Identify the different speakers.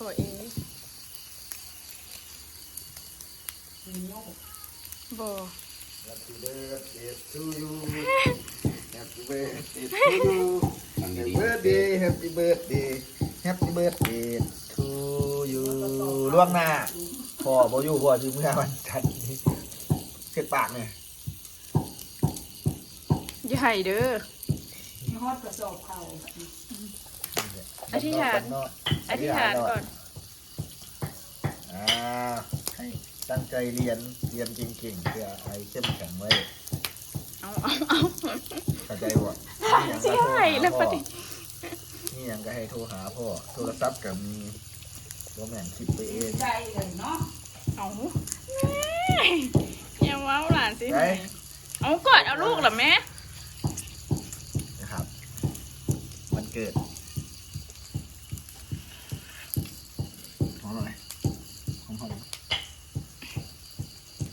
Speaker 1: พ่อเอบ่
Speaker 2: Happy birthday to you Happy birthday to you Happy birthday Happy birthday Happy birthday to you ล่วงหน้าพ่อบ่อยู่พ่อสิเมื่อวันจันทร์นี้เก็บปากเนี่ย
Speaker 1: อย่าให้เด้อ
Speaker 3: มีฮอดกระสอบเขา
Speaker 1: อธิษฐานอธิษฐานก่อน
Speaker 2: ให้ตั้งใจเรียนเก่งๆเพื่อให้เข้มแข็งไว้
Speaker 1: เอา
Speaker 2: เข้าใจบ่
Speaker 1: สิให้แล้วปะดิ
Speaker 2: นี่ยังก็ให้โทรหาพ่อโทรศัพท์กับมีบ่แม่นคิดไปเอง
Speaker 3: ใจเลยเนาะ
Speaker 1: เอาแม่อย่าเว้าหลานสิ
Speaker 2: ไป
Speaker 1: เอากอดเอาลูกเหรอแม่
Speaker 2: นะครับวันเกิดหอมหน่อยหอม